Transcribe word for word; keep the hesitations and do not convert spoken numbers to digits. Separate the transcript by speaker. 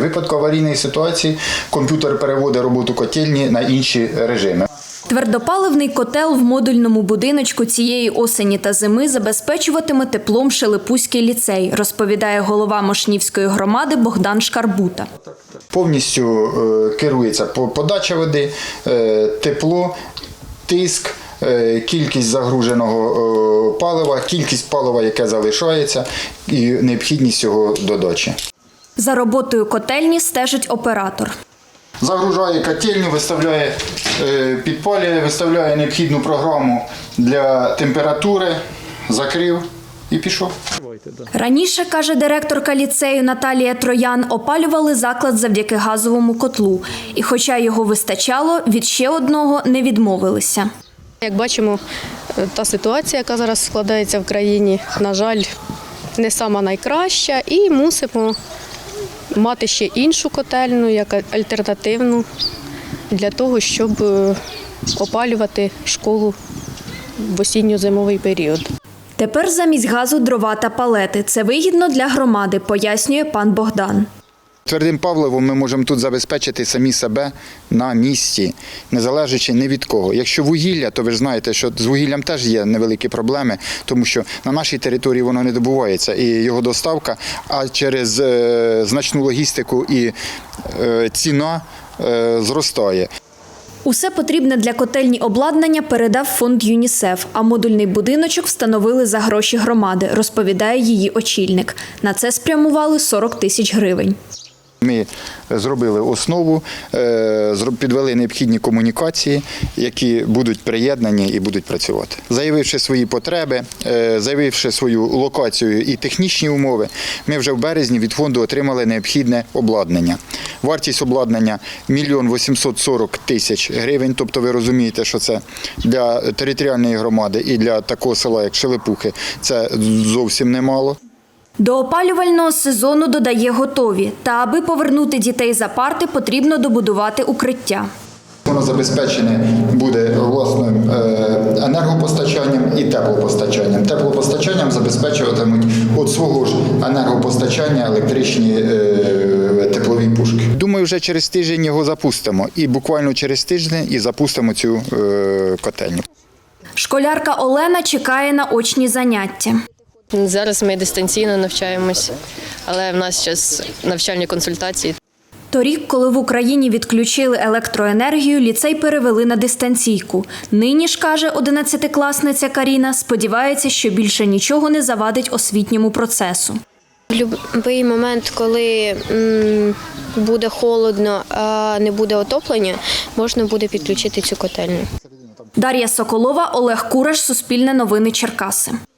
Speaker 1: В випадку аварійної ситуації комп'ютер переводить роботу котельні на інші режими.
Speaker 2: Твердопаливний котел в модульному будиночку цієї осені та зими забезпечуватиме теплом Шелепузький ліцей, розповідає голова Мошнівської громади Богдан Шкарбута.
Speaker 1: Повністю керується подача води, тепло, тиск, кількість загруженого палива, кількість палива, яке залишається, і необхідність його додачі.
Speaker 2: За роботою котельні стежить оператор.
Speaker 1: Загружає котельню, виставляє, підпалює, виставляє необхідну програму для температури, закрив і пішов.
Speaker 2: Раніше, каже директорка ліцею Наталія Троян, опалювали заклад завдяки газовому котлу. І хоча його вистачало, від ще одного не відмовилися.
Speaker 3: Як бачимо, та ситуація, яка зараз складається в країні, на жаль, не сама найкраща, і мусимо мати ще іншу котельну, як альтернативну, для того, щоб опалювати школу в осінньо-зимовий період.
Speaker 2: Тепер замість газу дрова та палети. Це вигідно для громади, пояснює пан Богдан.
Speaker 1: Твердим паливом ми можемо тут забезпечити самі себе на місці, не залежачи ні від кого. Якщо вугілля, то ви ж знаєте, що з вугіллям теж є невеликі проблеми, тому що на нашій території воно не добувається, і його доставка, а через е, значну логістику і е, ціна е, зростає.
Speaker 2: Усе потрібне для котельні обладнання передав фонд ЮНІСЕФ, а модульний будиночок встановили за гроші громади, розповідає її очільник. На це спрямували сорок тисяч гривень.
Speaker 1: Ми зробили основу, підвели необхідні комунікації, які будуть приєднані і будуть працювати. Заявивши свої потреби, заявивши свою локацію і технічні умови, ми вже в березні від фонду отримали необхідне обладнання. Вартість обладнання – мільйон вісімсот сорок тисяч гривень, тобто ви розумієте, що це для територіальної громади і для такого села, як Шелепухи, це зовсім немало.
Speaker 2: До опалювального сезону, додає, готові. Та аби повернути дітей за парти, потрібно добудувати укриття.
Speaker 1: Воно забезпечене буде власним енергопостачанням і теплопостачанням. Теплопостачанням забезпечуватимуть від свого ж енергопостачання електричні теплові пушки. Думаю, вже через тиждень його запустимо. І буквально через тиждень і запустимо цю котельню.
Speaker 2: Школярка Олена чекає на очні заняття.
Speaker 3: Зараз ми дистанційно навчаємось, але в нас зараз навчальні консультації.
Speaker 2: Торік, коли в Україні відключили електроенергію, ліцей перевели на дистанційку. Нині ж, каже одинадцятикласниця Каріна, сподівається, що більше нічого не завадить освітньому процесу.
Speaker 4: В будь-який момент, коли м, буде холодно, а не буде отоплення, можна буде підключити цю котельню.
Speaker 2: Дар'я Соколова, Олег Кураш, Суспільне новини, Черкаси.